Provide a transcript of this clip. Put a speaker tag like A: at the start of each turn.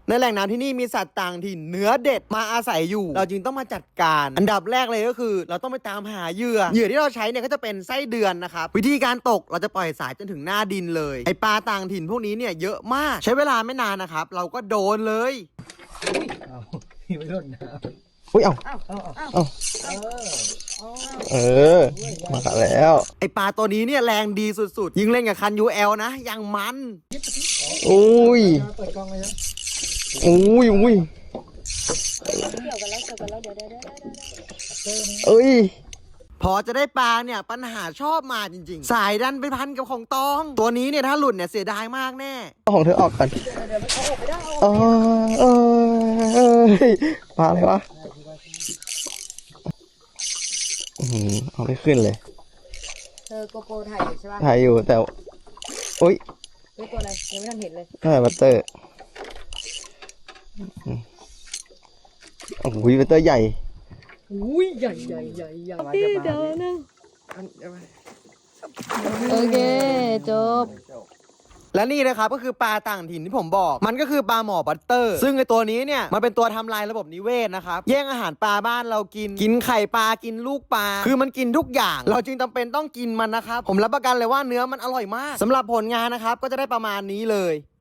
A: ในแหล่งน้ำที่นี่มีสัตว์ต่างถิ่นเนื้อเด็ดมาอาศัยอยู่เราจึงต้องมาจัดการอันดับแรกเลยก็คือเราต้องไปตามหาเหยื่อที่เราใช้เนี่ยก็จะเป็นไส้เดือนนะครับวิธีการตกเราจะปล่อยสายจนถึงหน้าดินเลยไอปลาต่างถิ่นพวกนี้เนี่ยเยอะมากใช้เวลาไม่นานนะครับเราก็โดนเลย
B: พี่ไม่ร่นนะ
C: อุ้ยเอามาแล้ว
A: ไอปลาตัวนี้เนี่ยแรงดีสุดๆยิงเล่นกับคัน UL นะยังมัน
C: อุ้ย
B: เปิดกล้องเลยนะ
C: อุ้ย
D: เกี่ยวกันแล้วเดี๋ยว
C: เอ้ย
A: พอจะได้ปลาเนี่ยปัญหาชอบมาจริงๆสายดันไปพันกับของตองตัวนี้เนี่ยถ้าหลุดเนี่ยเสียดายมากแน่
C: เอาของเธอออกก่อนปลาอะไรวะเอาไม่ขึ้นเลย
D: เธอโกโปรถ่ายอยู่ใช่ป่ะ
C: ถ่ายอยู่แต่อุ้ย
D: ตัวอะไรยังไม่ทันเห็นเลย
C: บัตเตอร์โอ้โหบัตเตอร์ใหญ่
D: อุ้ยใหญ่เดี๋ยวนึงโอเคจบ
A: และนี่นะครับก็คือปลาต่างถิ่นที่ผมบอกมันก็คือปลาหมอบัตเตอร์ซึ่งไอตัวนี้เนี่ยมันเป็นตัวทำลายระบบนิเวศนะครับแย่งอาหารปลาบ้านเรากินไข่ปลากินลูกปลาคือมันกินทุกอย่างเราจึงจำเป็นต้องกินมันนะครับผมรับประกันเลยว่าเนื้อมันอร่อยมากสำหรับผลงานนะครับก็จะได้ประมาณนี้เลย